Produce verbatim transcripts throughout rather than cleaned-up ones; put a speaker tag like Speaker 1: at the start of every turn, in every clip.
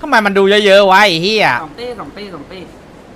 Speaker 1: ำไมมันดูเยอะๆวะไอ้เหี้ย
Speaker 2: สองเต้สองเต้สองเต้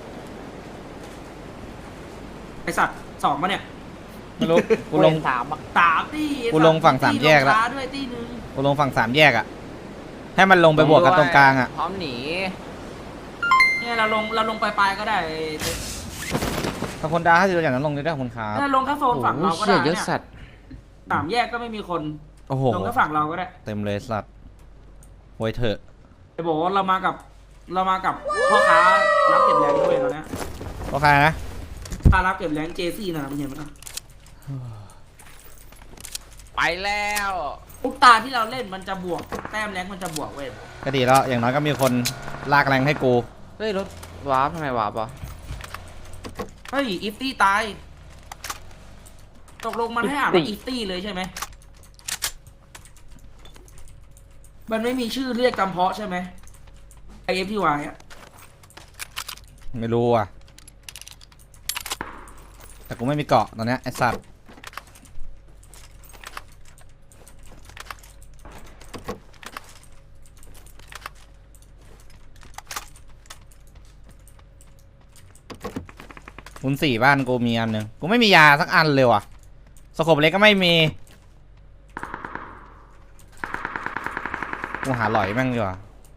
Speaker 2: ไอสัตว์สองมาเนี่ย
Speaker 1: ไม่รู้กูลง
Speaker 3: สามอ่ะ
Speaker 2: สามตี
Speaker 1: กูลงฝั่งสามแยกแล้ว
Speaker 2: ด้วยตีหนึ่ง
Speaker 1: กูลงฝั่งสามแยกอะให้มันลงไปบวกกันตรงกลางอะ
Speaker 3: พร้อมหนี
Speaker 2: เนี่ยเราลงเราลงปลายๆก็ได้
Speaker 1: ถ้าคนดาถ้าจะอย่างนั้นลงได้ด้วยคุณครับ
Speaker 2: ถ้าลงแค่โซนฝั่ง
Speaker 3: โอ้
Speaker 2: เรา
Speaker 3: โห
Speaker 2: ก็
Speaker 3: เชี่
Speaker 2: ได้
Speaker 3: ยเยอะ
Speaker 2: เนี่ย
Speaker 3: สัตว์
Speaker 2: สามแยกก็ไม่มีคน
Speaker 1: โอ้โห
Speaker 2: ลงแค่ฝั่งเราก็ได้
Speaker 1: เต็มเลยสัตว์โวยเถอะ
Speaker 2: ไอบอกว่าเรามากับเรามากับพ่อค้ารับเก็บแรงด้วยเราเนี่ย
Speaker 1: โอเคนะ
Speaker 2: ค้ารับเก็บแรงเจซี่นะมึงเห็นไหม
Speaker 3: ไปแล้ว
Speaker 2: ทุกตาที่เราเล่นมันจะบวกแต้มแรงมันจะบวกเว้ย
Speaker 1: ก็ดีแล้วอย่างน้อยก็มีคนลากแรงให้กู
Speaker 3: เฮ้ยรถวาร์ปทำไมวาร์ปอ่ะ
Speaker 2: เฮ้ยอีฟตี้ตายตกลงมันให้อ่านว่าอีฟตี้เลยใช่ไหมมันไม่มีชื่อเรียกจำเพาะใช่ไหมไอเอฟทีวายอะ
Speaker 1: ไม่รู้อ่ะแต่กูไม่มีเกาะตอนเนี้ยไอ้สัตว์คุณสี่บ้านกูมีอันหนึ่งกูไม่มียาสักอันเลยว่ะสโคปเล็กก็ไม่มีกูหาหลอยแม่งดีกว่า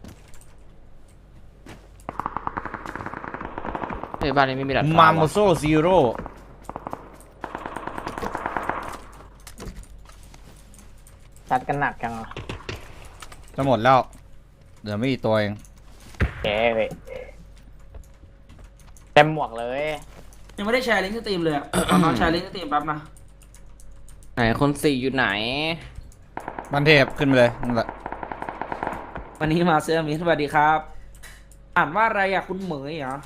Speaker 3: เฮ้ยบ้านนี้ไม่มีดัด
Speaker 1: มา
Speaker 3: ฟ้า
Speaker 1: โม
Speaker 3: ว่ะ
Speaker 1: โซซีโร่
Speaker 4: จัดกันหนักจังอ่ะ
Speaker 1: จะหมดแล้วเหลือไม่กี่ตัวเอง
Speaker 4: แกเว้ยเต็มหมวกเลย
Speaker 2: ยังไม่ได้แชร์ลิงก์สตรีมเลยอะ ตอนน้องแชร์ลิงก์สตรีมแป๊บนะ
Speaker 3: ไหนคนสี่อยู่ไหน
Speaker 1: บันเทพขึ้นไปเลยนั่นแหละ
Speaker 2: วันนี้มาเสื้อมิสวัสดีครับ อ่านว่าอะไรอะคุณเหมยเหรอ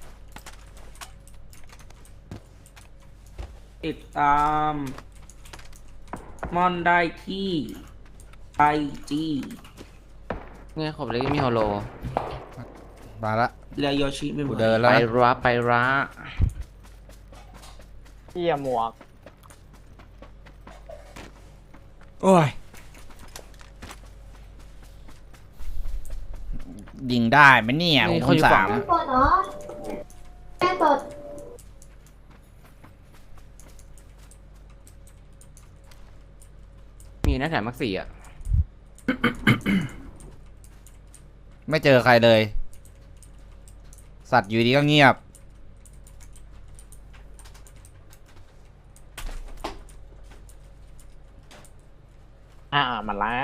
Speaker 2: ติดตามมอนได้ที่ไอจี
Speaker 3: เนี่ยขอบเลยมีฮอลโล
Speaker 1: มาละ
Speaker 2: เรียโยชิไม่หม
Speaker 1: กู
Speaker 2: ด
Speaker 1: เดิน
Speaker 3: ไป
Speaker 1: แล้วนะ
Speaker 3: ระไประ
Speaker 4: เที่ยหมวก
Speaker 1: โอ้ยยิงได้ไหมเนี่ย
Speaker 3: นี่
Speaker 1: คุ
Speaker 3: เขา
Speaker 1: ณ
Speaker 3: อยู่
Speaker 1: สา
Speaker 3: ฝั่ง
Speaker 1: ม
Speaker 5: กดเหรอแม่กด
Speaker 3: มีหน้าแถมมักสี่อ่ะ
Speaker 1: ไม่เจอใครเลย สัตว์อยู่ดีก็เงียบ
Speaker 4: อ่ามาแล้ว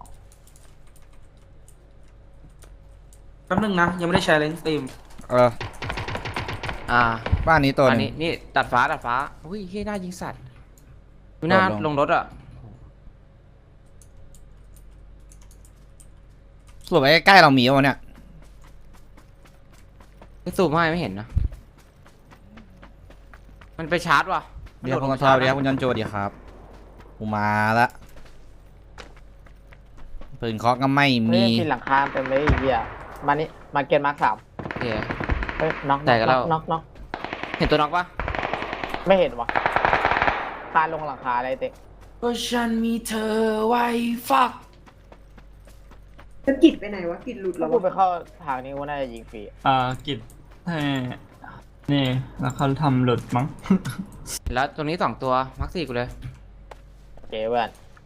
Speaker 2: แป๊บนึงนะ ยังไม่ได้แชร์ลิงก์สตรีม
Speaker 1: เออ
Speaker 3: อ่า
Speaker 1: บ้านนี้ตัวห
Speaker 3: อัน
Speaker 1: นึ
Speaker 3: นี้
Speaker 1: ง
Speaker 3: นี่ตัดฟ้าตัดฟ้าอุ้ยเฮียหน้ายิงสัตว์ดูหน้า
Speaker 1: โดดลง
Speaker 3: ลงรถอ่ะ
Speaker 1: สรุปไอ้ใกล้ๆเรามีวะเนี่ย
Speaker 3: ไม่สูบให้ไม่เห็นนะมันไปชาร์จว่ะ
Speaker 1: เดี๋ยว
Speaker 3: มั
Speaker 1: คุ
Speaker 3: น
Speaker 1: ณ
Speaker 3: โด
Speaker 1: ก
Speaker 3: ด
Speaker 1: ระ
Speaker 3: ลง
Speaker 1: ทอ
Speaker 3: ไป
Speaker 1: เดี๋ยว
Speaker 3: ชาร์จ
Speaker 1: คุณยันโจดีครับกูมาละปืนเคาะก็ไม่
Speaker 4: เฮ้
Speaker 1: มี
Speaker 4: ยกินหลังคาเต็มเลยไอ้เหี้ยมานี่มาเก็ตมาร์คสาม
Speaker 3: โอเค
Speaker 4: เฮ้ยน็อก
Speaker 3: แตกกันแล้ว
Speaker 4: น็อกน็อก
Speaker 3: เห็นตัวน็อกปะ
Speaker 4: ไม่เห็นวะคานลงหลังคาอะไรเต็ก
Speaker 2: ก็ฉันมีเธอไว้ฟัก
Speaker 5: แล้วกิดไปไหนวะกิดหลุดแล้
Speaker 4: ถ้าว กูไป
Speaker 5: วะ
Speaker 4: เข้าทางนี้กูน่าจะยิงฟรี
Speaker 6: อ่ากิจให้นี่แล้วเขาทำหลุดมั้ง
Speaker 3: แล้วตรงนี้สองตัวมักสี่กูเลย
Speaker 4: โอเคเพื่อน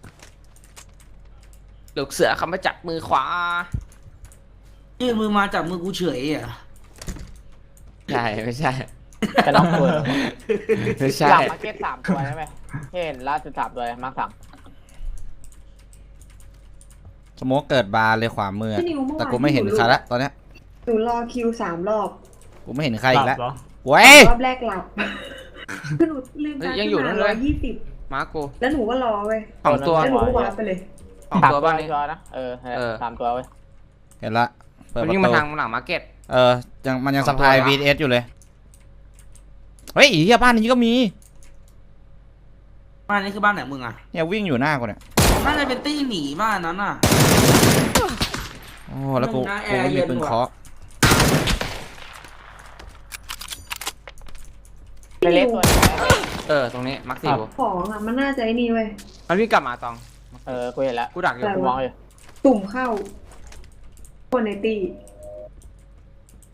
Speaker 3: ลูกเสือคำมาจับมือขวา
Speaker 2: ยื่นมือมาจับมือกูเฉยอ่ะ
Speaker 3: ใช่ไม่ใช่
Speaker 4: จะน็อกตัว
Speaker 3: ไม่ใช่
Speaker 4: หลังมาเก็ตสามตัวใช่ไหมเห็นล่าสุดสามตัวเลยมาร์คสาม
Speaker 1: สโมกเกิดบาร์เลยขวามือ
Speaker 5: พี่นิวเมื่อวาน
Speaker 1: แต่กูไม่เห็นใครละตอนเนี้ย
Speaker 5: หนูรอคิวสามรอบ
Speaker 1: กูไม่เห็นใครอีกแล้ว
Speaker 6: หลับเหรอ
Speaker 1: เว้ย
Speaker 5: รอบแรกหลับ คือหนูลืม
Speaker 3: เฮ้ย
Speaker 5: ตา
Speaker 3: ยังอยู่นั่นเลย
Speaker 5: ร้อยยี่สิบ
Speaker 3: มาร์คกู
Speaker 5: แล้วหนูก็รอเว้ย
Speaker 3: สองตัว
Speaker 5: แล้วหนูก็วาร์ปไปเลย
Speaker 3: สอง
Speaker 4: สาม
Speaker 3: ตัว
Speaker 4: ตัว
Speaker 3: บ้านนี้
Speaker 4: ตัวนะเออ
Speaker 3: เออ
Speaker 4: สามตัวเว้ย
Speaker 1: เห็นละเปิด
Speaker 3: มัน
Speaker 1: ประ
Speaker 3: วิ่งมา
Speaker 1: ตู
Speaker 3: ทางหลังมาร์เก็ต
Speaker 1: เออยังมันยัง
Speaker 3: ส
Speaker 1: ส
Speaker 3: องตัว
Speaker 1: ปาย
Speaker 3: ละ
Speaker 1: วีเอสอยู่เลย เฮ้ยอีเหี้ยบ้านนี้ก็มี
Speaker 2: บ้านนี้คือบ้านไหนมึงอ่ะ
Speaker 1: เนี่ยวิ่งอยู่หน้ากูเนี่ย
Speaker 2: น่าจะเป็นตี้หนีบ้านนั้นอ่ะ
Speaker 1: โอ้แล้วกู
Speaker 2: หน้าแอ
Speaker 1: กู
Speaker 2: ร์
Speaker 1: ไม่
Speaker 2: เย็
Speaker 1: มี
Speaker 2: น
Speaker 1: ปืน
Speaker 2: ว่ะ
Speaker 1: เคาะ
Speaker 4: เล็กๆตัวนึงนะ
Speaker 3: เออตรงนี้มาร์คสี่กู
Speaker 5: ของอ่ะมันน่าจะไอ้นี่เว้ย
Speaker 3: มันวิ่งกลับมาตอง
Speaker 4: เออกูเห็นแล้ว
Speaker 3: กูดักอยู่
Speaker 5: อะไร
Speaker 4: กู
Speaker 5: วะ
Speaker 4: มองอยู่
Speaker 5: ตุ่มเข้า คนในตี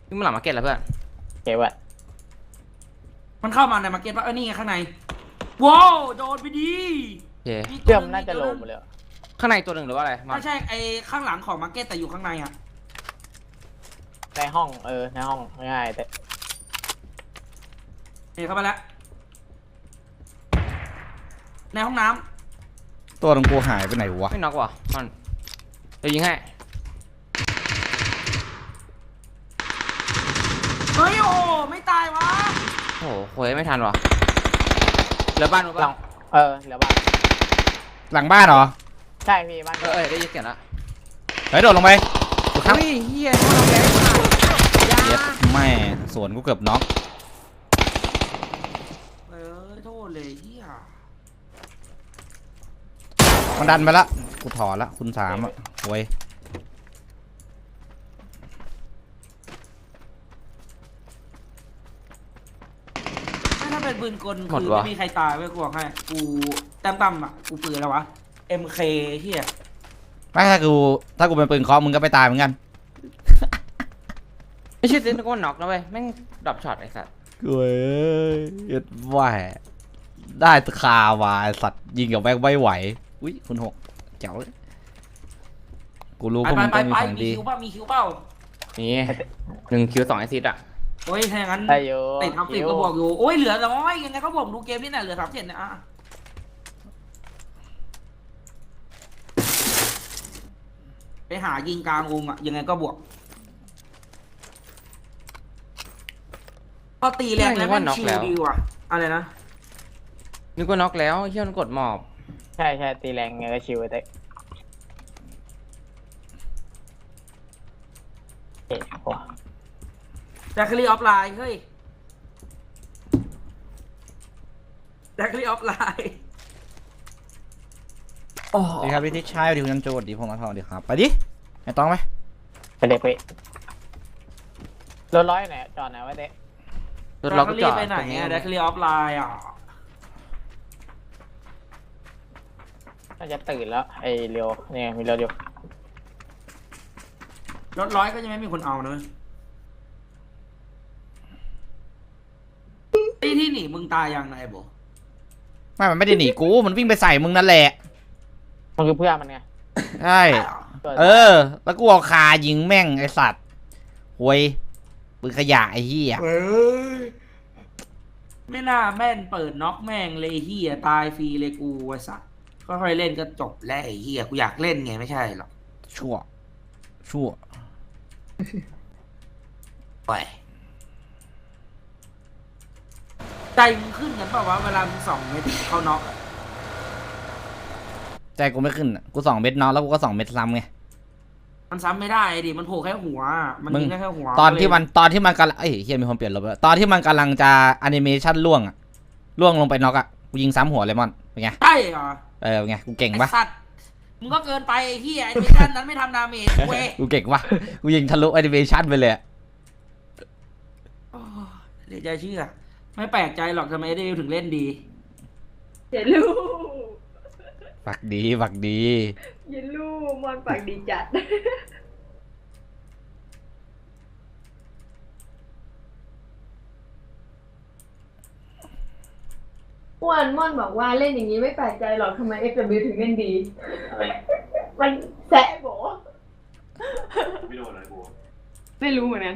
Speaker 3: นี่มันหลังมาร์เก็ตแล้วเพื่อน
Speaker 4: เก็บไว้
Speaker 2: มันเข้ามาในมาร์เก็ตปะเออนี่ไงข้างในว้าวโดนไปดี
Speaker 3: โอเค
Speaker 2: ตัว
Speaker 4: เชื่อม
Speaker 2: หง
Speaker 4: น่าจะโล
Speaker 2: ตัว
Speaker 4: หมดเลย
Speaker 3: ข้างในตัวหนึ่งหรือว่าอะไรมัน
Speaker 2: ไม่ใช่ไอ้ข้างหลังของมาร์เก็ตแต่อยู่ข้างในอ่ะ
Speaker 4: ในห้องเออในห้องง่ายๆแต่
Speaker 2: เห็นเข้าไปแล้วในห้องน้ำ
Speaker 1: ตัวตรงกูหายไปไหนวะ
Speaker 3: ไม่น็อกว่ะมันเดี๋ยวยิงให้
Speaker 2: เฮ้ยโอ้ไม่ตายวะ
Speaker 3: โอ้โหโวยไม่ทันว่ะเหลือบ้านมั้ง
Speaker 4: หลั
Speaker 3: ปะ
Speaker 4: งเออเหลือบ้าน
Speaker 1: หลังบ้านเหรอ
Speaker 4: ใช่พี่บ้าน
Speaker 3: เออเออได้ยินเสียงละ
Speaker 1: เฮ้ยโดดลงไปกูทับ
Speaker 3: เฮ้ยเฮียมันเอาแรงมาก
Speaker 1: เย็ดแม่สวนกูเกือบน็อก
Speaker 2: เออโทษเลยเฮีย
Speaker 1: มันดันไปละกูถอนละคุณสามอ่ะโว้ย
Speaker 2: ถ้าเป็นปืนกลคือไม่มีใครตายเว้ยกูบอกให้กูแต้มต่ำอ่ะกูปืนแล้ววะ เอ็ม เค เฮีย
Speaker 1: ไม่ถ้ากูถ้ากูเป็นปืนเคาะมึงก็ไปตายเหมือนกัน
Speaker 3: ไม่ใช่เซนต์ก็น็อกนะเว้ยแม่งดรอปช็อตไอ้สัส
Speaker 1: เว้ยเย็ดแหวได้ตะคาวาไอ้สัตว์ยิงกับแบงไม่ไหวอุ้ยคุณหกเจ๋วเลยกูรู้
Speaker 2: ไป
Speaker 1: พวก
Speaker 2: ไป
Speaker 1: มึง
Speaker 2: ไป
Speaker 1: ต้องมี
Speaker 2: ไป
Speaker 1: ของ
Speaker 2: มี
Speaker 1: ดี
Speaker 2: คิวเปล่ามีคิวเปล่า
Speaker 3: นี่หนึ่งคิวสองไอซิดอ่ะ
Speaker 2: โอ้ยถ้าอย่างนั้น
Speaker 4: ได้อยู่
Speaker 2: ติดท็อปสิบก็บวกอยู่โอ้ยเหลือน้อยยังไงก็บวกดูเกมนี่แหละเหลือสามเจ็ดนะอ่ะไปหายิงกลางวงอ่ะยังไงก็บวกพอตีแรงแล้วมันชิลดีว่ะอะไรนะ
Speaker 3: นึกว่าน็อกแล้วเฮียมันกดหมอบ
Speaker 4: ใช่ใช่ตีแรงไงก็ชิวแต่เอ๊ะโอ้
Speaker 2: แจ็คลีออฟไลน์เฮ้ยแจ็คลีออฟไลน์
Speaker 3: โอ้
Speaker 1: สวัสดีครับพี่ทิชชัยสวัสดีคุณยันโจสวัสดีพงษ์มาทองสวัสดีครับไปดิไอ้ต้องไหม
Speaker 4: ไปเด็กไปรถร้อยไหนจอดไหนวะเด็ก
Speaker 3: รถล็อก
Speaker 2: แจ็ค
Speaker 3: จ
Speaker 2: ลี
Speaker 3: อด
Speaker 2: ไปไหนอ่ะแจ็คลีออฟไลน์อ่ะ
Speaker 4: น่าจะตื่นแล้วไอ้เร็วเนี่ยมีเร็วอยู่
Speaker 2: รถร้อยก็ยังไม่มีคนเอานะที่ที่หนีมึงตายยังไงโบ
Speaker 1: ไม่มันไม่ได้หนีกูมันวิ่งไปใส่มึงนั่นแหละ
Speaker 4: มันคือเพื่อนมันไง
Speaker 1: ใช่เออ แล้วกูเอาคายิงแม่งไอสัตว์หวยปืนขยะไอ้เหี้ย
Speaker 2: เฮ้ยไม่น่าแม่นเปิดน็อกแม่งเลยเฮียตายฟรีเลยกูไอ้สัสก็ค่อยเล่นก็จบแล้วไอ้เฮียกูอยากเล่นไงไม่ใช่หรอก
Speaker 1: ชั่วชั่ว
Speaker 2: ไปใจมึงขึ้นกันเปล่าวะเวลามึงสองเม็ดเขาน็อกอะ
Speaker 1: ใจกูไม่ขึ้นอะกูสองเม็ดน็อกแล้วกูก็สองเม็ดซ้ำไง
Speaker 2: มันซ้ำไม่ได้ดิมันโผล่แค่หัว มัน
Speaker 1: มึง
Speaker 2: ยิงได้แค่หัว
Speaker 1: ตอนที่มันตอนที่มันกำลังเอ้ยเฮียมีคนเปลี่ยนลบแล้วตอนที่มันกำลังจะแอนิเมชันล่วงอะล่วงลงไปน็อกอะกูยิงซ้ำหัวเลยมอนเป็นไง
Speaker 2: ใช่เหรอ
Speaker 1: เออเป็นไงกูเก่ง
Speaker 2: ไอ้
Speaker 1: ปะ
Speaker 2: สัตว์มึงก็เกินไปไอ้เฮียไอ้มิชชั่นนั้นไม่ทำดาเมจเว้ย
Speaker 1: กูเก่งปะกูยิงทะลุแอนิเมชันไปเลยอะ
Speaker 2: โอ้เดี๋ยวใจเชื่อ ไม่แปลกใจหรอกทำไมเดวิลถึงเล่นดี
Speaker 5: เยลู
Speaker 1: ฝักดีฝักดี
Speaker 5: เยลูมอนปากดีจัด อ้วนม่อนบอกว่าเล่นอย่างนี้ไม่แปลกใจหรอกทำไม เอ็กซ์ ดับเบิลยู ถึงเล่นดี มันแสะโบไม่โดนอะไรโบไม่รู้เหมือนกัน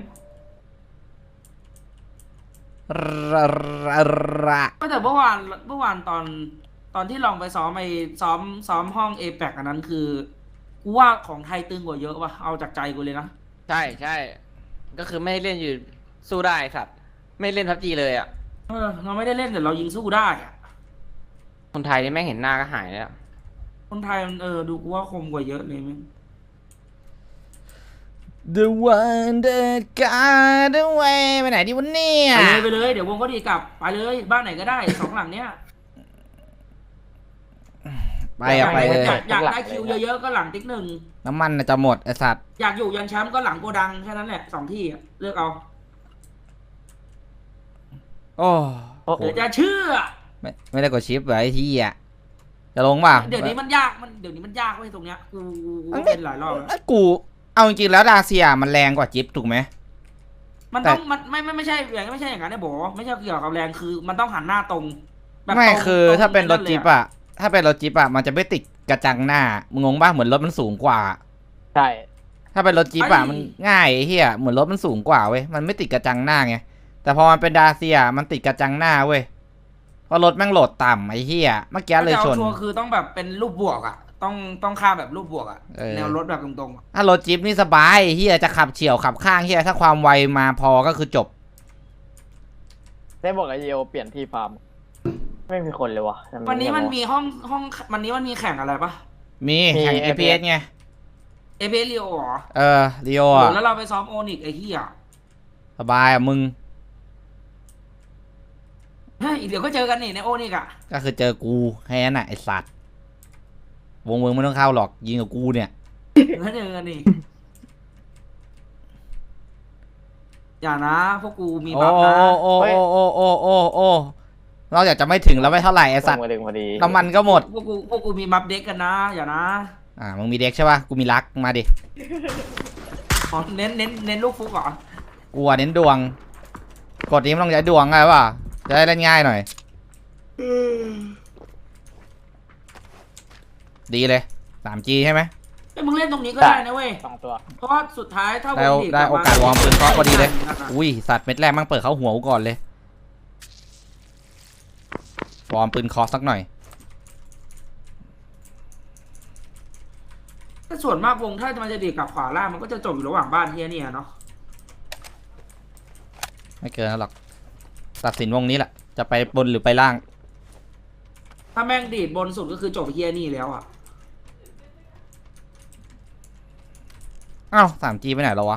Speaker 1: ระระระ
Speaker 2: ก็แต่เมื่อวานเมื่อวานตอนตอนที่ลองไปซ้อมไอ้ซ้อมซ้อมห้องเอแปกอันนั้นคือกูว่าของไทยตึงกว่าเยอะว่ะเอาจากใจกูเลยนะ
Speaker 3: ใช่ใช่ก็คือไม่ให้เล่นอยู่สู้ได้สัตว์ไม่เล่นพับจีเลยอ่ะ
Speaker 2: เออเราไม่ได้เล่นแต่เรายิงสู้ได้อะ
Speaker 3: คนไทยนี่แม่งเห็นหน้าก็หายแล้ว
Speaker 2: คนไทยมันเออดูกูว่าคมกว่าเยอะเลยมั้ง
Speaker 1: The one that got away ไปไหนดีวะเนี่ย
Speaker 2: ไปเลยไปเลยเดี๋ยววงก็ดีกลับไปเลยบ้านไหนก็ได้ สองหลังเนี้ย
Speaker 1: ไปอะไปเลย
Speaker 2: อยากอยากได้คิวเยอะๆก็หลังติ๊กหนึ่ง
Speaker 1: น้ำมันน่ะจะหมดไอสัตว์
Speaker 2: อยากอยู่ยันแชมป์ก็หลังโกดังแค่นั้นแหละสองที่อะเลือกเอา
Speaker 1: โอ้
Speaker 4: โอ้โห
Speaker 2: เดี๋ยวจะเชื่อ
Speaker 1: ไม่ไม่ได้กดชิปไว้ไอ้ที่อ่ะจะลงป่ะ
Speaker 2: เดี๋ยวนี้มันยากมันเดี๋ยวนี้มันยากเว้ยตรงเนี้ยกูกูกูเป็นหลายรอบแล้ว
Speaker 1: ไอ้กูเอาจริงๆแล้วดาเซียมันแรงกว่าจิ๊บถูกไหม
Speaker 2: มันต้องมันไม่ไม่ไม่ใช่อย่างไม่ใช่อย่างนั้นนะโบไม่ใช่เกี่ยวกับแรงคือมันต้องหันหน้าตรงแบบ
Speaker 1: ไม่
Speaker 2: ตรง
Speaker 1: คือ
Speaker 2: ตง
Speaker 1: ถ้าเป็นรถ
Speaker 2: ลย
Speaker 1: จิ๊บอะถ้าเป็นรถจิ๊บอะมันจะไม่ติดกระจังหน้ามึงงงป่ะเหมือนรถมันสูงกว่า
Speaker 4: ใช่
Speaker 1: ถ้าเป็นรถจี๊ปอะมันง่ายไอ้เหี้ยเหมือนรถมันสูงกว่าเว้ยมันไม่ติดกระจังหน้าไงแต่พอมันเป็นดาเซียมันติดกระจังหน้าเว้ยเพราะรถแม่งโหลดต่ำไอ้เหี้ยเมื่อกี้เลยชน
Speaker 2: ถ้าจะอาชัวร์คือต้องแบบเป็นรูปบวกอ่ะ ต้องต้องข้ามแบบรูปบวกอ่ะ
Speaker 1: เออ
Speaker 2: แนวรถแบบตรงๆอะ
Speaker 1: ถ้ารถจี๊ปนี่สบายไอ้เหี้ยจะขับเฉี่ยวขับข้างเหี้ยถ้าความไวมาพอก็คือจบ
Speaker 4: ได้บอกไอเยโอเปลี่ยนที่ฟาร์มไม่มีคนเลยวะทำไ
Speaker 2: วันนี้มัน
Speaker 4: เงี
Speaker 2: มี
Speaker 4: ยบวะ
Speaker 2: ห้องห้องวันนี้มันมีแข่งอะไรปะ
Speaker 1: มีแข่ง
Speaker 4: มี
Speaker 1: เอ พี เอส ไง
Speaker 2: เอเบริโอเหรอ
Speaker 1: เออเรียว
Speaker 2: โอ้
Speaker 1: อะ
Speaker 2: แล้วเราไปซ้อมโอนิกไอ้เหี้ย
Speaker 1: สบายอะมึง
Speaker 2: เฮ้ยเดี๋ยวก็เจอกันนี่ในโอนิกอ่ะ
Speaker 1: ก็คือเจอกูแค่นั้นน่ะไอสัตว์วงเมืองไม่ต้องเข้าหรอกยิงกับกูเนี่ย
Speaker 2: เดี๋ยวก็เจอกันนี่อย่านะพวกกูมี
Speaker 1: โอ้
Speaker 2: บัฟนะ
Speaker 1: โอ้โอ้โอ้โอ้โอ้โอ้เราอยากจะไม่ถึงแล้วไม่เท่าไหร่ไอสัตว์
Speaker 4: มาดึงพอดี
Speaker 1: น้ำมันก็หมด
Speaker 2: พวกกูพวกกูมีบัฟเด็กกันนะ อย่านะ
Speaker 1: อ่ามึงมีเด็กใช่ป่ะกูมีรักมาดิ
Speaker 2: อ๋อเน้นเน้นเน้นลูกฟุกเหรอ
Speaker 1: กูอะเน้นดวง กดนี้มันต้องใช้ดวงไงวะจะได้เล่นง่ายหน่อย ดีเลย สามจี ใช่ไหม
Speaker 2: ไอ้ยมึงเล่นตรงนี้ก็ได้นะเว้ย
Speaker 4: สองตัว
Speaker 2: เพราะว่าสุดท้ายถ้าว
Speaker 1: ได้
Speaker 2: งลีก
Speaker 1: ได้
Speaker 2: ลับ
Speaker 1: โอกาสวอร์มปืนเคาะพอดีเลย
Speaker 2: อ่ะ
Speaker 1: อุ้ยสัตว์เม็ดแรกมั่งเปิดเข้าหัวกูก่อนเลยวอร์มปืนเคาะสักหน่อย
Speaker 2: ถ้าส่วนมากวงถ้ามันจะดีดกลับขวาล่างมันก็จะจบอยู่ระหว่างบ้านเฮียเนี่ยเนาะ
Speaker 1: ไม่เกินนั้นหรอกตัดสินวงนี้แหละ จะไปบนหรือไปล่าง
Speaker 2: ถ้าแม่งดีดบนสุดก็คือจบเฮียนี่แล้วอ่ะ
Speaker 1: อ้าว สามจี ไปไหนแล้ววะ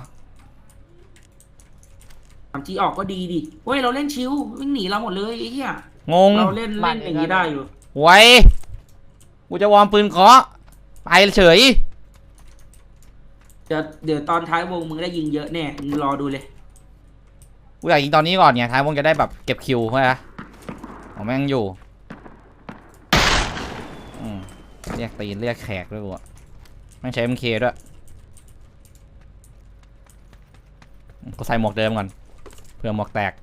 Speaker 2: สามจีออกก็ดีดิเว้ยเราเล่นชิววิ่งหนีเราหมดเลยไอ้เหี้ย
Speaker 1: งง
Speaker 2: เราเล่นเล่นอย่างนี้ได้อยู่
Speaker 1: ไว้ กูจะวอร์มปืนเคาะไปเฉย
Speaker 2: เดี๋ยวเดี๋ยวตอนท้ายวงมึงได้ยิงเยอะแน่มึงรอดูเลย
Speaker 1: กูอยากยิงตอนนี้ก่อนไงท้ายวงจะได้แบบเก็บคิวใช่ไหมของแม่งอยู่อืมเรียกตีนเรียกแขกด้วยกูอะแม่งใช้ เอ็ม เค ด้วยกูใส่หมวกเดิมก่อนเพื่อหมวกแตก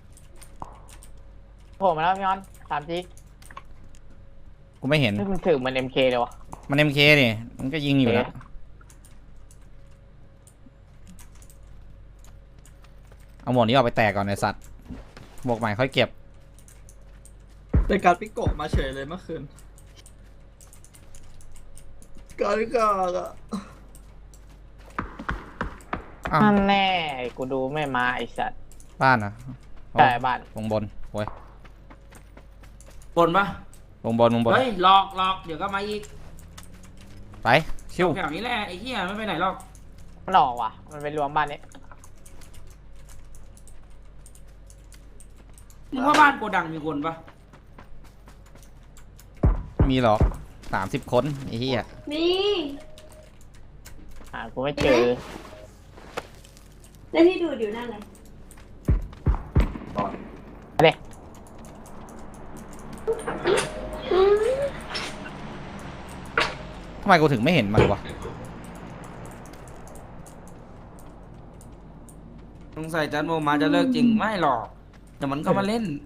Speaker 4: โผล่มาแล้วพี่ออนสามจี
Speaker 1: กูไม่เห็น
Speaker 4: นี่มันถือเหมันเอ็มเคเลยวะ
Speaker 1: มัน เอ็ม เค นี่มันก็ยิงอยู่แล้ว
Speaker 4: เอ๊ะ
Speaker 1: เอาหมวกนี้ออกไปแตกก่อนไอสัตว์หมวกใหม่ค่อยเก็บ
Speaker 6: เป็นการปิโกะมาเฉยเลยเมื่อคืนการกากอะ
Speaker 1: อ้าว
Speaker 4: นั่นแน่กูดูไม่มาไอสัตว์
Speaker 1: บ้านนะ
Speaker 4: ใช่บ้าน
Speaker 1: วงบนโว้ย
Speaker 2: บนปะ
Speaker 1: วงบนวงบน
Speaker 2: เฮ้ยหลอกหลอกเดี๋ยวก็มาอีก
Speaker 1: ไปชิว
Speaker 2: แถวนี้แหละไอ้เหี้ยไม่ไปไหนหรอก
Speaker 4: มันออกว่ะ มันเป็นรวมบ้านนี้
Speaker 2: มึงว่าบ้านโกดังมีคนปะ
Speaker 1: มีหรอกสามสิบคนไอ้เหี้ย
Speaker 5: นี่
Speaker 4: หากูไม่เจอ
Speaker 5: แล้วที่ดูดอยู่นั่นอะไร
Speaker 4: เด็ก
Speaker 5: อืม
Speaker 1: ทำไมกูถึงไม่เห็นมันวะ
Speaker 2: สงสัยจันโมมาจะเลิกจริงไม่หรอกเดี๋ยวมันก็มาเล่น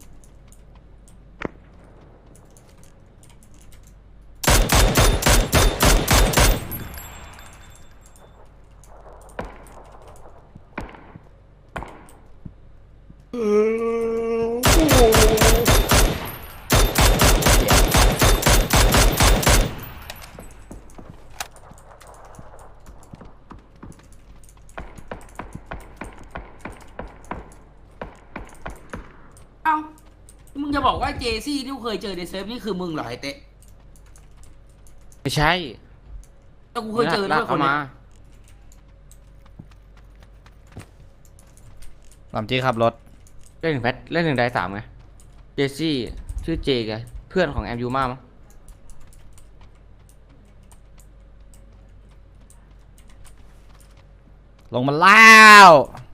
Speaker 2: เอ้ามึงจะบอกว่าเจซี่ที่กูเคยเจอในเซิร์ฟนี่คือมึงเหรอไอเตะ
Speaker 3: ไม่ใช่
Speaker 2: แต่กูเคยเจอด้วยคน
Speaker 3: เข้า
Speaker 2: เนี้
Speaker 3: มา
Speaker 2: ย
Speaker 1: ลำจีขับรถ
Speaker 3: เล่นหนึ่งแพทเล่นหนึ่งได้สามไงเจซี่ชื่อเจไงเพื่อนของแอมยูมามั้ง
Speaker 1: ลงมาแล้ว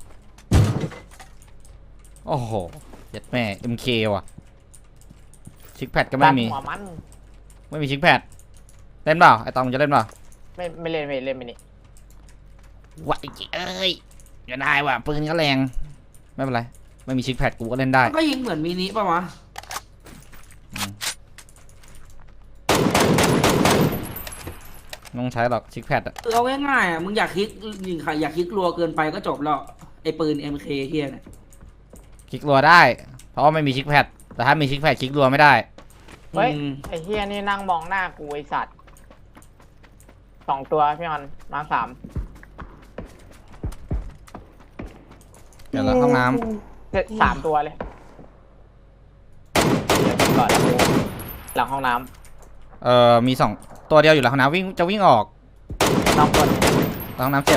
Speaker 1: โอ้โหเจ็ดแม่ เอ็ม เค ว่ะ ชิคแพดก็ไม่มี
Speaker 4: หัวมัน
Speaker 1: ไม่มีชิคแพดเล่นเปล่าไอตองจะเล่นเปล่า
Speaker 4: ไม่ไม่เล่นไม่เล่นไม่นี่
Speaker 1: วะไอ้เอ้ยก็ได้ว่ะปืนก็แรงไม่เป็นไรไม่มีชิคแพดกูก็เล่นได้
Speaker 2: ก็ยิงเหมือนมินิป่ะวะ
Speaker 1: ไม่ต้องใช้หรอกชิคแพดอะ
Speaker 2: คือเอาง่ายๆอ่ะมึงอยากคลิกยิงใครอยากคลิกรัวเกินไปก็จบแล้วไอ้ปืน เอ็ม เค เฮียเนี่ย
Speaker 1: คลิกรัวได้ เพราะว่าไม่มีชิคแพดแต่ถ้ามีชิคแพดคลิกรัวไม่ได้
Speaker 4: เฮ้ย
Speaker 2: อืม
Speaker 4: ไอ้เฮียนี่นั่งมองหน้ากูไอสัตว์สองตัวพี่มันมาสาม
Speaker 1: เดี๋ยวเราห้องน้
Speaker 4: เจ็ดสามตัวเลยเดี๋ยวก่อนกูหลังห้องน้
Speaker 1: ำเอ่อมีสองตัวเดียวอยู่หลังห้องน้ำวิ่งจะวิ่งออก
Speaker 4: ำน้องคน
Speaker 1: หลังห้องน้ำเจ็บ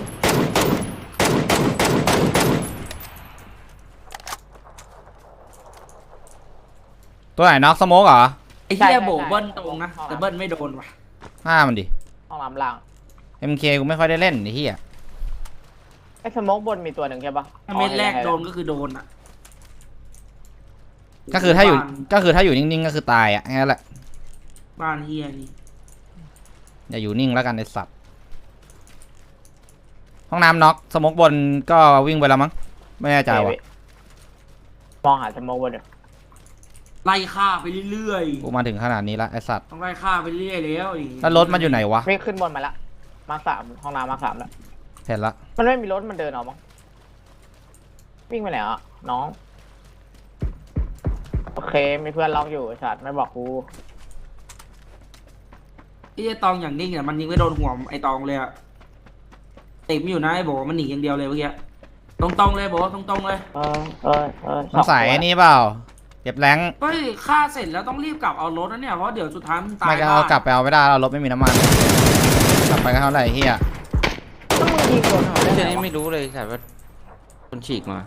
Speaker 1: ตัวไหนน็อกสโมกเหรอ
Speaker 2: ไอ้เฮียโบเบิ้ลตรงนะแต่เบิ้ลไม่โดนว่ะ
Speaker 1: ห้ามันดิ
Speaker 4: ห้องน้ำล่าง
Speaker 1: เอ็มเค กูไม่ค่อยได้เล่นไอ้เหี้ย
Speaker 4: ไอ้สโมกบนมีตัวหนึ่งใช่ปะ
Speaker 2: ถ้าเม็ดแรกโดนก็คือโดนอ่ะ
Speaker 1: ก็คือถ้าอยู่
Speaker 2: บ้น
Speaker 1: ก็คือถ้าอยู่นิ่งๆก็คือตายอ่ะงั้นแหละ
Speaker 2: บ้านเฮียนี่
Speaker 1: อย่าอยู่นิ่งแล้วกันไอ้สัตว์ห้องน้ำน็อกสโมกบนก็วิ่งไปแล้วมั้งไม่แน่ใจว่ะ
Speaker 4: มองหาสโมกบนอยู่
Speaker 2: ไล่ฆ่าไปเรื่อย
Speaker 1: กูมาถึงขนาดนี้ละไอ้สัตว์
Speaker 2: ๆต้องไล่ฆ่าไปเรื่อยแล้วดิ
Speaker 1: แล้วรถมันอยู่ไหนวะ
Speaker 4: วิ่งขึ้นบนมาละมาสามห้องน้ำมาสามแล้ว
Speaker 1: เห็นละ
Speaker 4: มันไม่มีรถมันเดินออกมั้งวิ่งไปไหนอ่ะน้องโอเคมีเพื่อนล็อกอยู่ไอ้สัตว์ไม่บอกกู
Speaker 2: ไอ้ตองอย่างนิ่งเนี่ยมันยิงไม่โดนหัวไอ้ตองเลยอะติดไม่อยู่นะไอ้โบมันหนีอย่างเดียวเลยเมื่อกี้ตรงๆเลยโบตรงๆเลย
Speaker 4: เออเออเออ
Speaker 1: สงสัยไอ้นี่เปล่าเก็บแรง
Speaker 2: เฮ้ยฆ่าเสร็จแล้วต้องรีบกลับเอารถนะเนี่ยเพราะเดี๋ยวสุดท้ายมันตาย
Speaker 1: ไม่ก็เอากลับไปเอาไม่ได้เรารถไม่มีน้ำมันกลับไปก็เท่าไหร่เฮีย
Speaker 4: ต้องมึงยิงโดนเขาได้
Speaker 3: เจ
Speaker 4: ไง
Speaker 3: นี่
Speaker 4: วะ
Speaker 3: ไม่รู้เลยแต่ว่าคนฉีกมา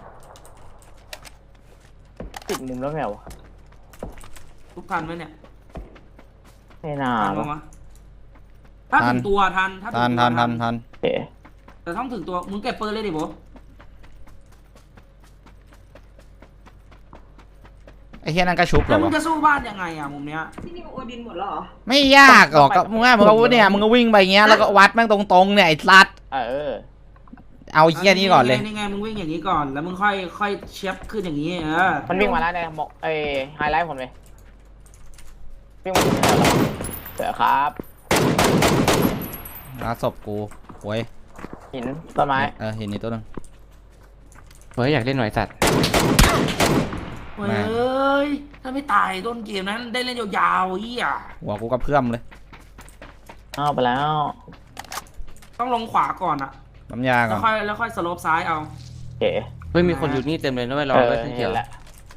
Speaker 4: ติดมุมแล้วไงวะ
Speaker 2: ทุกทันไหมเนี่ย
Speaker 4: ไม่น่า
Speaker 2: ทัน
Speaker 4: วะ
Speaker 2: ปะวะถ้าถึงตัวทันถ้าถึ
Speaker 1: ทัน
Speaker 2: งตัว
Speaker 1: ทันทันทัน
Speaker 4: โอเค
Speaker 2: แต่ต้องถึงตัวมึงเก็บปืนเลยดิโบ
Speaker 1: ไอ้เฮียนั่นก็ชุบเหร
Speaker 2: แล้
Speaker 1: อ
Speaker 2: วมึง
Speaker 1: วะ
Speaker 2: จะสู้บ้านยังไงอะมุมเนี้ย
Speaker 5: ที่นี่โอดินหมดแล้วเหรอ
Speaker 1: ไม่ยากหรอกก็มึงว่ามึงก็เนี่ยมึงก็วิ่งไปอย่างเงี้ยแล้วก็วัดแม่งตรงๆเนี่ยไอ้สัตว์
Speaker 4: เออ
Speaker 1: เอาไอ้เฮียนี่ก่อนเลย
Speaker 2: นี่ไงมึงวิ่งอย่างนี้ก่อนแล้วมึงค่อยค่อยเชฟขึ้นอย่างนี้เออ
Speaker 4: มันวิ่งมาแล้วเนี่ยบอกเอ้ไฮไลท์ผมเลยวิ่งมาถึงแล้วเสือครับ
Speaker 1: หาศพกูโว้ย
Speaker 4: หินต้นไม้
Speaker 1: เออเห็นนี่ตัวนึง
Speaker 3: เฮ้ยอยากเล่นหน่อยสัตว์
Speaker 2: เฮ้ยถ้าไม่ตายต้นเกมนั้นได้เล่นยาวๆเฮีย
Speaker 1: หัวกูกระเพื่อมเลย
Speaker 4: เอาไปแล้ว
Speaker 2: ต้องลงขวาก่อนอะ
Speaker 1: น้ำยาก่
Speaker 2: แล้
Speaker 1: อ
Speaker 2: วน ค่อยแล้วค่อยสโลปซ้ายเอา
Speaker 4: โอเค
Speaker 3: เฮ้ยมีคนอยู่นี่เต็มเลยนะไม่รอ
Speaker 4: เออ
Speaker 3: เลยทั้งเขี
Speaker 4: เห็
Speaker 3: ยวน
Speaker 4: แล้ว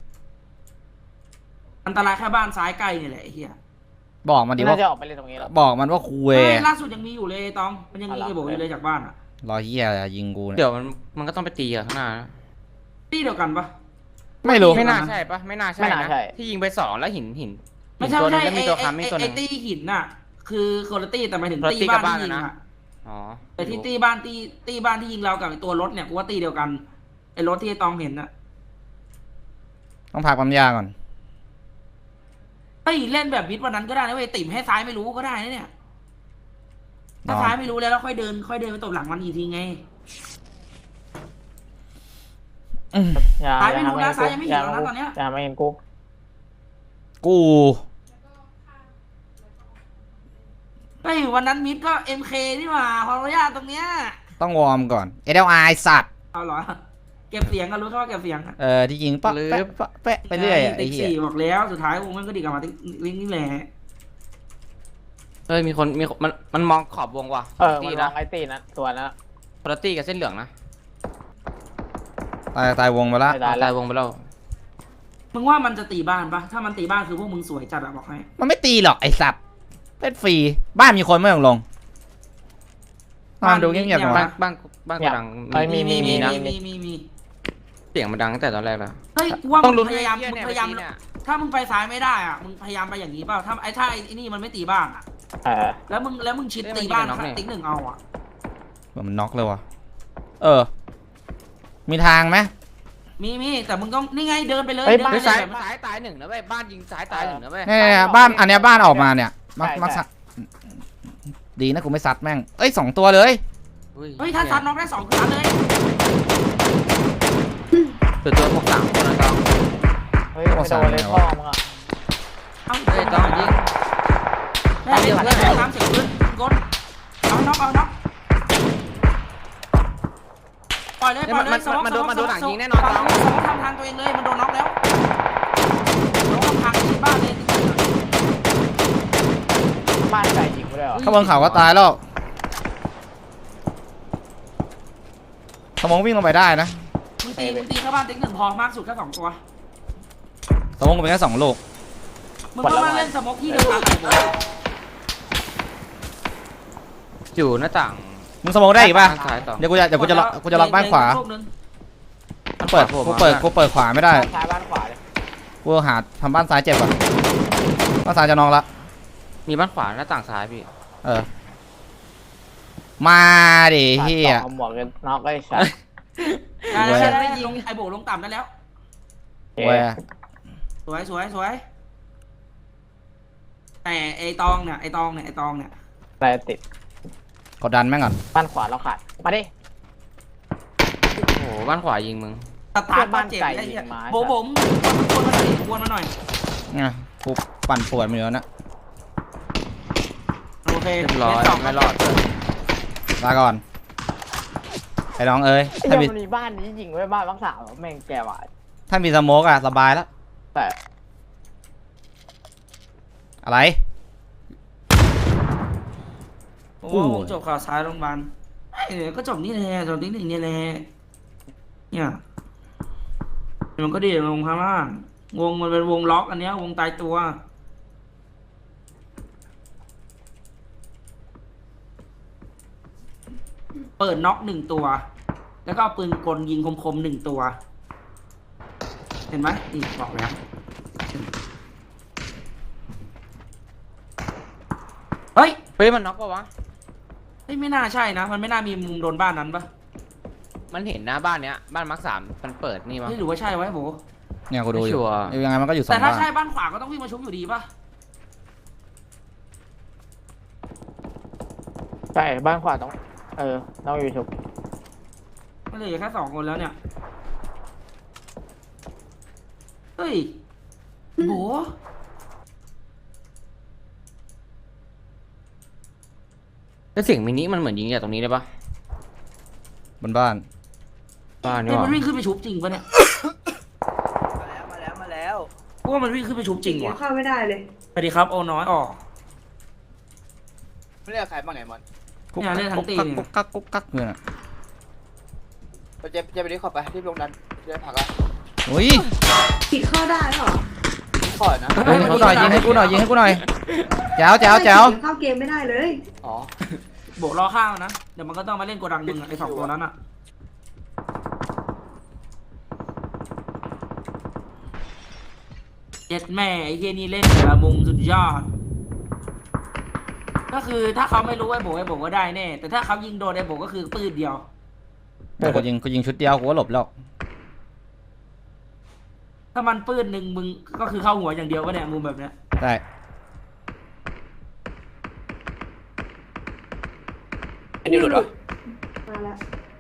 Speaker 2: อันตรายแค่บ้านซ้ายใกล้นี่แหละไอ้เฮีย
Speaker 1: บอกมันดิ
Speaker 4: น่า
Speaker 1: ว่า
Speaker 4: จะออกไปเล่นตรงนี้แล้ว
Speaker 1: บอกมันว่าคุย
Speaker 2: เฮ้ยล่าสุดยังมีอยู่เลยตองมันยังมี
Speaker 4: อะไร
Speaker 2: ไอ้โบอยู่เลยจากบ้านอะ
Speaker 1: รอเฮียยิงกูเนี่ย
Speaker 3: เดี๋ยวมันมันก็ต้องไปตีกับข้างหน้านะ
Speaker 2: ที่เดียวกันปะ
Speaker 1: ไม่รู้
Speaker 3: ไม่น่าใช่ปะไม่น่าใช่
Speaker 4: ไม่น่า
Speaker 3: นะ
Speaker 4: ใช่
Speaker 3: ที่ยิงไปสองแล้วหินหิน
Speaker 2: ไม่
Speaker 3: หิน
Speaker 2: ใช่
Speaker 3: ตัวหนึ
Speaker 2: ไม่
Speaker 3: ง
Speaker 2: ใช่
Speaker 3: แล้วมีตัว
Speaker 2: ไอ้
Speaker 3: ค้ำมี
Speaker 2: ไอ้
Speaker 3: ตัวห
Speaker 2: ไอ้
Speaker 3: นึง
Speaker 2: ตี้หินน่ะ คือคนละตี้แต่หมายถึง
Speaker 3: คนละ
Speaker 2: ตี้
Speaker 3: ตี้
Speaker 2: บ้าน
Speaker 3: กับบ้าน
Speaker 2: ที่ยิง
Speaker 3: นะ
Speaker 2: อะ
Speaker 3: อ๋อ
Speaker 2: แต่ที่ตี้บ้านตี้ตี้บ้านที่ยิงเรากับไอ้ตัวรถเนี่ยกูว่าตี้เดียวกันไอ้รถที่ไอ้ตองเห็นน่ะ
Speaker 1: ต้องพักปั๊มยาก่อน
Speaker 2: เฮ้ยเล่นแบบมิดวันนั้นก็ได้นะเว้ยติ่มให้ซ้ายไม่รู้ก็ได้นะเนี่ย
Speaker 1: น
Speaker 2: ถ้า
Speaker 1: อน
Speaker 2: ซ้ายไม่รู้แล้วแล้วค่อยเดินค่อยเดินไปตบหลังมันอีกทีไง
Speaker 1: อืม
Speaker 4: อย่า
Speaker 2: ซ้ายไม่
Speaker 4: อย่า
Speaker 2: รู้
Speaker 4: ทำ
Speaker 2: นะ
Speaker 4: ให้
Speaker 2: ซ้ายยังไม่
Speaker 4: กู
Speaker 2: เห็นแล้วนะตอนเนี้ย
Speaker 4: อย่าไม่เห็นกู
Speaker 1: กู
Speaker 2: เฮ้ยวันนั้นมิดก็เอ็มเคนี่หว่าพอระยะตรงเนี้ย
Speaker 1: ต้องวอร์มก่อน เอ แอล ไอ สัตว์
Speaker 2: เอาเหรอเก็บเสียงก็รู้แค่ว่าเก็บเสียงอะ
Speaker 1: เออที่ยิงปะแปะปะแปะไปเรื่อยอะไอ้
Speaker 2: ติ๊ก
Speaker 1: เหี้ย
Speaker 2: สี่บอกแล้วสุดท้ายวงมันก็ดีกลับมาติ๊กลิงก์นี่แหละ
Speaker 3: เฮ้ยมีคนมีคนมันมันมองขอบวงว่ะ
Speaker 4: เออ
Speaker 3: ตี
Speaker 4: มันล
Speaker 3: นะ
Speaker 4: องไอตีนะตัวนั้นอะ
Speaker 3: คนละตีกับเส้นเหลืองนะ
Speaker 1: ตายตายวงไปละ
Speaker 4: ไม่ได้
Speaker 3: ตายวงไปแล้ว
Speaker 2: มึงว่ามันจะตีบ้านปะถ้ามันตีบ้านคือพวกมึงสวยจัดอะบอกให้
Speaker 1: มันไม่ตีหรอกไอ้สัตว์เล่นฟรีบ้านมีคนไม่ลงลงบ้านดูเงียบๆหน่
Speaker 3: บ้า
Speaker 1: อน ย
Speaker 3: บ้านบ้านกระดัง
Speaker 4: เอ้ยมีมีมี
Speaker 3: นะ
Speaker 2: มีมีมี
Speaker 3: เสียงมันดังตั้งแต่ตอนแรกแล้ว
Speaker 2: เฮ้ยกูว่า
Speaker 3: ต้
Speaker 2: มึ
Speaker 3: อง
Speaker 2: ง
Speaker 3: ลุ้น
Speaker 2: พยายาม
Speaker 3: ไอ้
Speaker 2: มึง
Speaker 3: เหี้
Speaker 2: พยายาม
Speaker 3: เนี่ย
Speaker 2: ถ้ามึงไปซ้ายไม่ได้อะมึงพยายามไปอย่างนี้เปล่าถ้าไอ้ถ้าไอ้นี่มันไม่ตีบ้านอะ
Speaker 4: เออ
Speaker 2: แล้วมึงแล้วมึงชิด
Speaker 3: เอ้ย
Speaker 2: ตี
Speaker 3: มัน
Speaker 2: บ้าน
Speaker 3: ยิงไปน็อกเนี่ย
Speaker 2: ติ๊กหนึ่งเอาอะ
Speaker 1: มันน็อกเลยวะเออ มีทางไหม
Speaker 2: มีมีแต่มึงก็นี่ไงเดินไปเลย
Speaker 4: เฮ้ย
Speaker 2: เดิน
Speaker 4: บ้าน
Speaker 2: ไป
Speaker 3: เฮ้ย
Speaker 2: เล
Speaker 3: ซ้าย
Speaker 2: ย
Speaker 3: ซ้ายตายหนึ่งนะเว้ยบ้านยิงซ้ายตายหนึ่งนะเว้ย
Speaker 1: เนี่ยบ้านอันเนี้ยบ้านออกมาเนี่ยมัก
Speaker 4: ใช่
Speaker 1: มัก
Speaker 4: ใช่
Speaker 1: ดีนะกูไม่ซัดแม่งเอ้ยสองตัวเลย
Speaker 2: เฮ้ยถ้าซัดน็อกได้สองคือซัดเลย
Speaker 3: คือตัวพวกสามคนนะต้อง
Speaker 4: เฮ้ยไม่โดนเลยพ่อมึงอ่ะ
Speaker 2: เอ้า
Speaker 3: เฮ้ยต้องยิง
Speaker 2: แม่เดี๋ยวเพื่อนน้ำเสียงปืนกดเอาน็อกเอาน็อกปล่อยเลยปล่อยเลยสมองสมองสมองทำทางตัวเองเลยมันโดนน็อกแล้วโดนทางที่บ้านเลย
Speaker 4: บ้านไก่ยิงไปเลยเหรอ
Speaker 1: ข้างบนเขาก็ตายแล้วสมองวิ่งลงไปได้นะ
Speaker 2: มึงตีมึงตีเข้าบ้านติ๊กหนึ่งพอมากสุดแค่สองตัว
Speaker 1: สมองเป็นแค่สองลูก
Speaker 2: มึงก็มาเล่นสมองที่เดียวกันเลย
Speaker 3: อยู่หน้าต่าง
Speaker 1: มึงสมองได้อีกป่ะ
Speaker 3: ทางซ้ายต่อ
Speaker 1: เดี๋ยวกูจะเดี๋ยวกูจะล็อกกูจะล็อกบ้านขวา
Speaker 2: ลูกนึง
Speaker 1: มันเปิดกูเปิดกูเปิดขวาไม่ได้
Speaker 4: บ้านซ้ายบ้านขวาเลย
Speaker 1: กูหาทำบ้านซ้ายเจ็บก่อนบ้านซ้ายจะนองละ
Speaker 3: มีบ้านขวาหน้าต่างซ้ายพี่
Speaker 1: เออมาดิเฮีย
Speaker 4: เอาหมวกกันน็อกไอ้สัส
Speaker 2: ได้แล้วได้ยิงไอโบลงต่ำได้แล้ว
Speaker 1: เว้ย
Speaker 2: สวยสวยสวยแต่ไอตองเนี่ยไอตองเนี่ยไอตองเนี่ย
Speaker 4: แต่ติด
Speaker 1: กดดันแม่งก่อน
Speaker 4: บ้านขวาเราขาดมาดิ
Speaker 3: โอ้โหบ้านขวายิงมึง
Speaker 2: ตาตาบ้านเจ็บไอ้เหี้ยโบผมวนมาหน่อยวนมาหน่อย
Speaker 1: ไงกูปั่นปวดมือแล้วนะ
Speaker 2: โอเค
Speaker 3: เรียบร้อยไม่รอด
Speaker 1: ลาก่อนไอ้น้องเอ้ย
Speaker 4: ไอ้
Speaker 1: ถ้ามี
Speaker 4: เหี้ยมันมีบ้านนี้ยิงไว้บ้านบ้างสาวแม่งแกว่ะ
Speaker 1: ถ้ามีสโมกอะสบายแล้ว
Speaker 4: แต่
Speaker 1: อะไร
Speaker 2: โอ้จบข่าวซ้ายโรงพยาบาลเออก็จบนี่แหละจบที่หนึ่งนี่แหละเนี่ยมันก็ดีลงข้างล่างวงมันเป็นวงล็อกอันเนี้ยวงตายตัวเปิดน็อกหนึ่งตัว แล้วก็เอาปืนกลยิงคมๆหนึ่งตัว เห็นไหมนี่บอกแล้วเฮ้ย
Speaker 3: เฮ้ยมันน็อกปะวะ
Speaker 2: เฮ้ยไม่น่าใช่นะ มันไม่น่ามีมุมโดนบ้านนั้นปะ
Speaker 3: มันเห็นหน้าบ้านเนี้ยบ้านมาร์คสามมันเปิดนี่มั้ง
Speaker 2: เฮ้ยหรือว่าใช่ไวะโบ
Speaker 1: เนี่ยกูดูอ
Speaker 3: ไม่ชั
Speaker 1: ยู่
Speaker 3: วร์
Speaker 1: ยังไงมันก็อยู่สอ
Speaker 2: แต่
Speaker 1: ง
Speaker 2: ถ้า
Speaker 1: บ้าน
Speaker 2: ใช่บ้านขวาก็ต้องวิ่งมาชุบอยู่ดีปะ
Speaker 4: ใช่บ้านขวาต้องเออต้องอยู่ชุบ
Speaker 2: มันเหลือแค่สองคนแล้วเนี่ย เฮ้ยโบ
Speaker 3: แล้วเสียงมินิมันเหมือนยิงจากตรงนี้ได้ปะ
Speaker 1: บนบ้าน
Speaker 3: บ้านนี่
Speaker 2: เฮ้ย
Speaker 3: ห
Speaker 2: มัน
Speaker 3: ว่า
Speaker 2: วิ่งขึ้นไปชุบจริงปะเนี่ย
Speaker 7: มาแล้วมาแล้วมาแล้ว
Speaker 2: กูว่ามันวิ่งขึ้นไปชุบจริงว่ะ
Speaker 5: เข้าไม่ได้เลย
Speaker 2: สวัสดีครับโอน้อยออก
Speaker 7: ไม่เรียกใครบ้างไหนมัน
Speaker 1: กุ๊ก
Speaker 2: เนี่ยเล่นทั้
Speaker 1: กุ๊
Speaker 2: ง
Speaker 1: ก
Speaker 2: ตี
Speaker 1: กัก
Speaker 2: เนี่ย
Speaker 1: กุ๊กกักกุ๊กกักเนี่ย
Speaker 7: ไปเจ็บเจ็บไปดิขอไปที่ลงนั้นเรื่องผักอะ
Speaker 1: อุ้ย
Speaker 5: ผิดเข้าได้เหรอ
Speaker 7: ขอนะ
Speaker 1: เฮ้ยให้กูหน่อยยิงให้กูหน่อยยิงให้กูหน่อยแจ๋วแจ๋วแจ๋ว
Speaker 5: เข้าเกมไม่ได้เลย
Speaker 7: อ๋อ
Speaker 2: โบกรอข้าวนะ เดี๋ยวมันก็ต้องมาเล่นโกดังมึงอะไอสองตัวนั้นอะเจ็ดแม่ไอ้เฮียนี่เล่นแต่ละมุมสุดยอด ก็คือถ้าเขาไม่รู้ไอ้โบไอ้โบก็ได้แน่ แต่ถ้าเขายิงโดนไอ้โบก็คือปืนเดียว
Speaker 1: แต่กูยิงกูยิงชุดเดียวกูก็หลบแล้ว
Speaker 2: ถ้ามันปืนหนึ่งมึงก็คือเข้าหัวอย่างเดียววะเนี่ยมุมแบบเนี้ย
Speaker 1: ได้
Speaker 7: อันนี้หลุดเหรอ
Speaker 5: มาแล้ว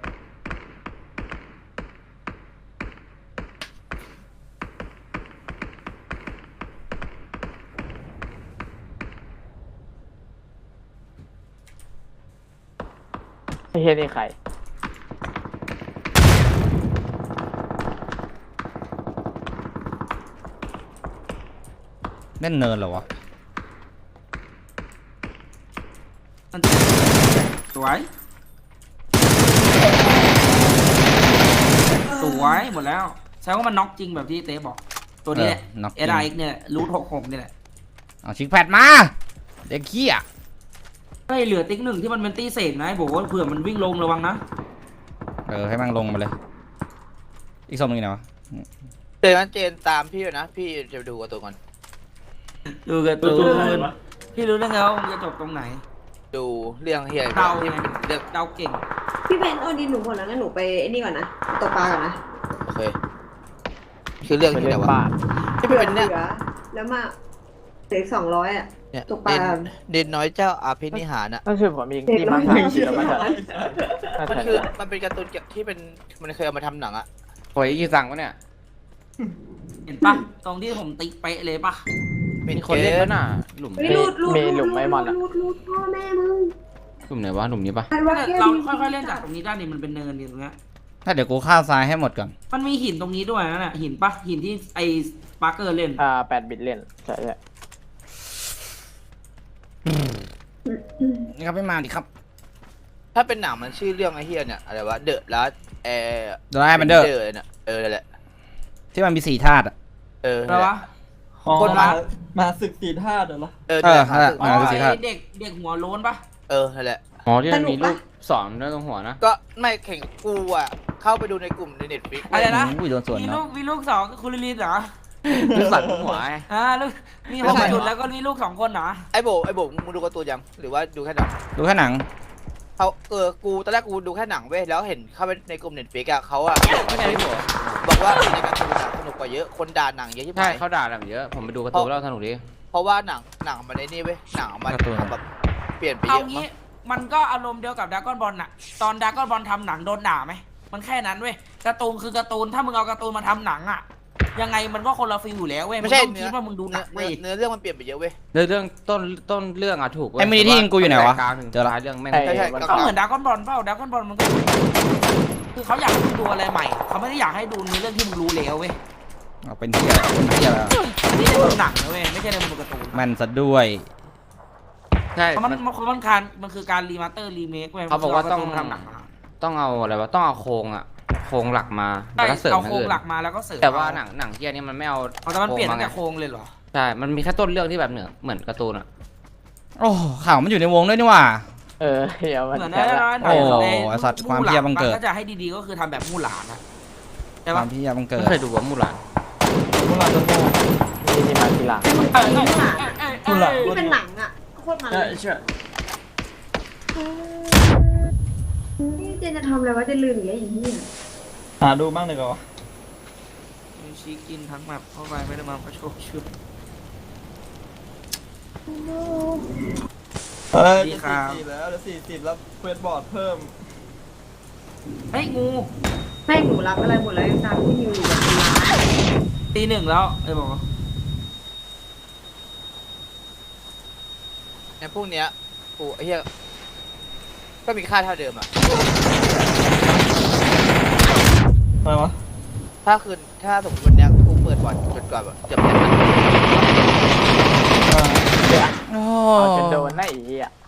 Speaker 4: ไอ้เฮียนี่ใคร
Speaker 1: เล่นเนินเหรอวะ
Speaker 2: มันสวย สวยหมดแล้วแสดงว่ามันน็อกจริงแบบที่เต้บอก ตัวนี้แหละ
Speaker 1: เออน็อกจริ
Speaker 2: เอง ไอเนี่ยรูทหกหกนี่แหละ
Speaker 1: เอาชิคแพดมาเด็กขี้อ่ะ
Speaker 2: เฮ้ยเหลือติ๊กหนึ่งที่มันเป็นตีเศษนะไอ้บอกว่าเผื่อมันวิ่งลงระวังนะ
Speaker 1: เออให้มันลงมาเลย อีกสองนึงไหนวะ
Speaker 7: เจนนั้นเจนตามพี่ด้วยนะ พี่จะดูกับตัวก่อน
Speaker 2: ดูกันตูนพี่รู้ได้ไงว่ามันจะจบตรงไหน
Speaker 7: ดูเรื่องเฮีย
Speaker 2: เดา
Speaker 7: ที่
Speaker 2: ไง
Speaker 7: เป็นเรื่อง
Speaker 2: เดาเก่ง
Speaker 5: พี่เบนโอ้ดินหนูหมดแล้วงั้นหนูไปไอ้นี่ก่อนนะตกปลาก่อนนะ
Speaker 7: โอเคคือเรื่อง
Speaker 4: ไป
Speaker 7: ที่ไห
Speaker 4: เล่
Speaker 7: น
Speaker 4: น
Speaker 7: วะ
Speaker 4: บ้าน
Speaker 7: ที่เป็นเนี่ย
Speaker 5: เหลือแล้วมาเหลือสองร้อยอ่ะ
Speaker 7: เนี่ย
Speaker 5: ตกปลา
Speaker 7: เด่นเด่นน้อยเจ้าอาภินิหารอ่ะ
Speaker 4: นั่นคือผมยิงที่บ้านสามเดียวมาจาก
Speaker 7: มันคือมันเป็นการ์ตูนเกี่ยวที่เป็นมันเคยเอามาทำหนังอ่ะ
Speaker 3: โอ้ยกี่สั่งวะเนี่ย
Speaker 2: เห็นปะตรงที่ผมติ๊กเป๊ะเลยปะ
Speaker 7: เป็
Speaker 3: มี
Speaker 7: น
Speaker 3: ค
Speaker 7: คน น
Speaker 3: เล่
Speaker 7: เล่
Speaker 3: น
Speaker 7: น
Speaker 3: ปะ
Speaker 7: ปะ
Speaker 3: น่ะหลุม
Speaker 5: เฮ้ยรูดรูด
Speaker 4: มี
Speaker 5: รูด
Speaker 4: หลุมไหมมอนอะ
Speaker 5: รูดรูดพ่อแม่มึง
Speaker 3: หลุมไหนวะหลุมนี้ปะ
Speaker 5: อันว่าแค่
Speaker 2: เรา
Speaker 5: นี้
Speaker 2: ค่อยๆเล่นจากตรงนี้ได้นี่มันเป็นเนินนี่ตรงเนี้ย
Speaker 1: ถ้าเดี๋ยวกูข้าวซ้ายให้หมดก่อน
Speaker 2: มันมีหินตรงนี้ด้วยนะเนี่ยหินปะหินที่ไอ้ปาร์เกอร์เล่น
Speaker 4: อ่าแปดบิตเล่นใช่ใช่
Speaker 1: นี่ครับไม่มาดิครับ
Speaker 7: ถ้าเป็นหนังมันชื่อเรื่องไอ้เฮียเนี่ยอะไรวะเดอะลัสแอร์
Speaker 1: เดอะไลน์มันเดอร์
Speaker 7: เนี่ยเออนั่นแหละ
Speaker 1: ที่มันมีสี่ธาตุอะ
Speaker 7: เออ
Speaker 2: อะไรวะ
Speaker 6: อ๋อ
Speaker 7: คนมา
Speaker 6: มามาศึกสีธาตุเหรอ
Speaker 7: เออ
Speaker 1: เออ
Speaker 7: นั่นแหละ
Speaker 1: นั่นแหละ
Speaker 2: อ๋อ
Speaker 1: มาสิครับ
Speaker 2: ไอ้เด็กเด็กหัวโล้นปะ
Speaker 7: เออนั่นแหละ
Speaker 3: อ๋อที่มันมีลูกสอนด้วยตรงหัวนะ
Speaker 7: ก็ไม่แข่งกูอ่ะเข้าไปดูในกลุ่มในเน็ตฟิก
Speaker 2: อะไรนะ
Speaker 1: อุ้ยโดนสวน
Speaker 2: มี
Speaker 1: เนาะ
Speaker 2: ลูกมีลูกสองคุณลิลินเหรอ
Speaker 3: ลูกสัตว์หัวไง
Speaker 2: อ่าลูกมีหกจุดแล้วก็มีลูกสองคนเหรอ
Speaker 7: ไอ้โบไอ้โบมึงดูการ์ตูนยังหรือว่าดูแค่หนัง
Speaker 1: ดูแค่หนัง
Speaker 7: เขาเออกูตอนแรกกูดูแค่หนังเว้ยแล้วเห็นเข้าไปในกลุ่มเน็ตฟิกอะเขาอะ
Speaker 3: ไม่ใช่พี่โบ
Speaker 7: บอกว่าในการ์ตูนอะสนุกกว่าเยอะคนด่าหนังเยอะที่ไห
Speaker 3: ใช่
Speaker 7: น
Speaker 3: เขาด่าแบบเยอะ ผมไปดูการ์ตูนแล้วสนุกดี
Speaker 7: เพราะว่าหนังหนังมันในนี่เว้ยหนังมัน
Speaker 1: การ์ตูน
Speaker 7: ทำแบบเปลี่ยนไปเย
Speaker 2: เอา
Speaker 7: อะ
Speaker 2: งี้
Speaker 7: มั้ง
Speaker 2: มันก็อารมณ์เดียวกับดากอนบอลน่ะ ตอนดากอนบอลทำหนังโดนด่าไหมมันแค่นั้นเว้ยการ์ตูนคือการ์ตูนถ้ามึงเอาการ์ตูนมาทำหนังอะยังไงมันก็คนละฟีลอยู่แล้วเว้ย
Speaker 7: ไม่ใช่
Speaker 2: งต้องคิดว่ามึงดูหนัง
Speaker 7: เนื้
Speaker 2: เว้
Speaker 7: อย เนื้อเรื่องมันเปลี่ยนไปเยอะเว้ย
Speaker 3: เรื่องเรื่องต้นต้นเรื่องอะถูกเว้ย
Speaker 1: ไอ้มินิที่ยิงกูอยู่ไหนวะ
Speaker 3: แต่กลางถึง
Speaker 1: เจอละ
Speaker 3: ท้ายเรื่องแม่ง
Speaker 4: ไอ้
Speaker 7: ใช่ใช่
Speaker 4: มัน
Speaker 2: ก็เหมือนดากอนบอลเปล่าดากอนบอลมันก็คือเขาอยากให้มึงดูอะไรใหม่ เขาไม่ได้อยากให้ดูในเรื่องที่มึงรู้แล้วเว้ย
Speaker 1: เอาเป็นเที่ยเป็นเที่ยแล้ว
Speaker 2: อันนี้ในมุมหนังนะเว้ยไม่ใช่ในมุมการ์ตูน
Speaker 1: แม่นซะด้วย
Speaker 3: ใช่
Speaker 2: เพราะมัน
Speaker 3: มัน
Speaker 2: มันมันการมันคือการรีมาสเตอร์รีเมคเว้ย
Speaker 3: เขาบอกว่าต้อง
Speaker 2: มันคืเรทำหนังมา
Speaker 3: ต้องเอาอะไรวะต้องเอาโครงอะโครงหลักมา
Speaker 2: ใช่
Speaker 3: แล้วก็เสริม
Speaker 2: เอา
Speaker 3: อย่าง
Speaker 2: โครง
Speaker 3: อื่น
Speaker 2: หลักมาแล้วก็เสริม
Speaker 3: แต่ว่าหนังหนังเที่ยนี่มันไม่เอา
Speaker 2: เอาแต่มันเปลี่ยนตั้งแต่
Speaker 3: โค
Speaker 2: โค
Speaker 3: รง
Speaker 2: รงเลยเหรอ
Speaker 3: มาไงใช่ มันมีแค่ต้นเรื่องที่แบบเหนือเหมือนการ์ตูนอะ
Speaker 1: โอ้ข่าวมันอยู่ในวงด้วยนี่หว่า
Speaker 4: เออเฮียมัน
Speaker 2: เหมือน
Speaker 4: แค่
Speaker 2: ใน
Speaker 4: ละ
Speaker 2: ใน
Speaker 1: โอ้
Speaker 2: ใน
Speaker 1: ไอ้สัตว์ความเหี้ยบังเกิด
Speaker 2: มันก็จะให้ดีๆก็คือทำแบบมู่หลานนะใช่
Speaker 1: ควา
Speaker 2: ปะ
Speaker 1: มพี่ยาบังเกิด
Speaker 3: ไม่เคยดูว่ามูหลาน
Speaker 6: พวกเราจะโง่
Speaker 4: นี่ที่มาทีหลัง
Speaker 5: มัน
Speaker 2: เอ
Speaker 5: ตี
Speaker 2: อ
Speaker 5: นี่หว่า
Speaker 6: พูดหลัง
Speaker 5: ที่เป็นหนังอ่ะโคตรมัน
Speaker 6: ใช่
Speaker 5: เลย
Speaker 6: ใช่
Speaker 5: นี่เจนจะทำอะไรวะจะลืมอีกแล้วอีกนี่
Speaker 6: หาดูบ้างเลยก่อน
Speaker 2: มีชีกินทั้งแบบเข้าไปไม่ได้มาประชดชุด
Speaker 6: เฮ้ย
Speaker 2: ดี
Speaker 6: จะ
Speaker 2: ครับ
Speaker 6: สี่สิบแล้วเดี๋ยวสี่สิบแล้วเควสบอร์ดเพิ่ม
Speaker 2: เฮ้ยงู
Speaker 5: แม่งหนูรับอะไรหมดแล้วยังตามที่นิวอยู่แบบเป็นล้าน
Speaker 2: ตีหนึ่งแล้วเอ้ยบอกว่า
Speaker 7: ในพวกเนี้ยกูไอ้เหี้ยก็มีค่าเท่าเดิมอะ
Speaker 6: อะไรวะ
Speaker 7: ถ้าคืนถ้าสมมติวันเนี้ยกูเปิดบอลจนกว่าแบบจะเป็น
Speaker 6: อ่า
Speaker 1: โอ้
Speaker 4: เอาจนโดนนะไอ้เหี้ย